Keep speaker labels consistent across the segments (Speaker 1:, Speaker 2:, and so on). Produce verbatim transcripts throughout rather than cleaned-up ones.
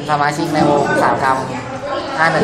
Speaker 1: สมาชิกในวงสาวกรรมห้าหนึ่ง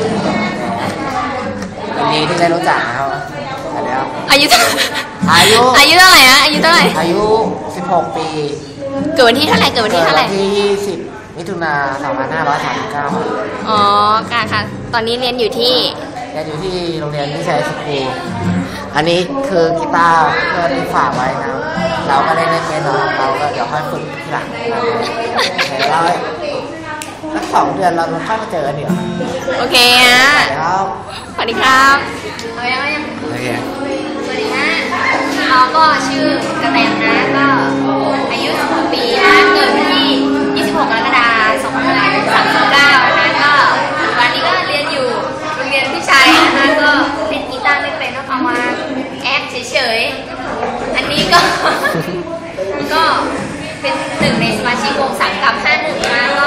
Speaker 1: ยินดีที่ได้รู้จักนะครับเดี๋ยว
Speaker 2: อายุ
Speaker 1: อายุ
Speaker 2: อายุเท่าไหร่นะอายุเท่าไหร่
Speaker 1: อายุสิบหกปี
Speaker 2: เกิดวันที่เท่าไหร่เกิดวันที่เท่าไหร่
Speaker 1: ที่ยี่สิบมิถุนาสองพันห้าร้อยสามสิบเก้า
Speaker 2: อ๋อค่ะค่ะตอนนี้เรียนอยู่ที่
Speaker 1: เรียนอยู่ที่โรงเรียนวิชัยสกูลอันนี้คือกีตาร์เพื่อนที่ฝากไว้นะเราก็ได้เล่นเกมเราเราก็เดี๋ยวค่อยฝึกทีหลังเดี๋ยวเราสักสองเดือนเราค่อยมาเจอกันเดี๋ยว
Speaker 2: โอเคฮะสวัสดีครับเอายังยังสวัสดีฮะเราก็ชื่อกระแตนะก็อายุสิบหกปีนะเกิดวันที่ยี่สิบหกกรกฎาคมสองพันห้าร้อยสามสิบเก้านะคะก็วันนี้ก็เรียนอยู่โรงเรียนพิชัยนะคะก็เล่นกีตาร์ไม่เป็นก็เอามาแอปเฉยๆอันนี้ก็ก็เป็นหนึ่งในสมาชิกวงสังกัดห้าหนึ่งนะก็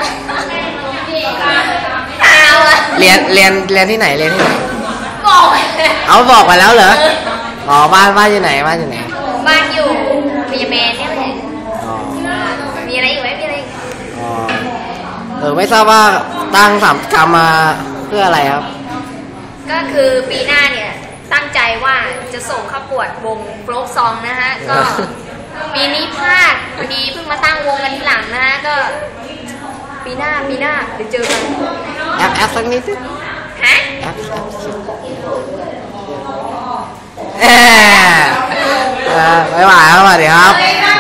Speaker 1: เรียนเรียนเรียนที่ไหนเรียนที่ไหน
Speaker 2: บอก
Speaker 1: เอาบอกไปแล้วเหรออ๋อบ้านบ้านอยู่ไหนบ้านอยู่ไหน
Speaker 2: บ้านอยู่มีเมนเนี่ยเลยมีอะไรอีกไหมมีอะไรอีก
Speaker 1: อ๋อเออไม่ทราบว่าตั้งสามกรรมมาเพื่ออะไรครับ
Speaker 2: ก็คือปีหน้าเนี่ยตั้งใจว่าจะส่งเข้าปวดวงโฟล์คซองนะฮะก็ปีนี้พลาดพอดีเพิ่งมาตั้งวงกันทีหลังนะฮะก็ปีหน้าปีหน้าเดี๋ยวเจอกัน
Speaker 1: แอปแอปสักนิดสิ
Speaker 2: ฮะ
Speaker 1: แอปแอปเออไม่ไหวครับสวัสดีครับ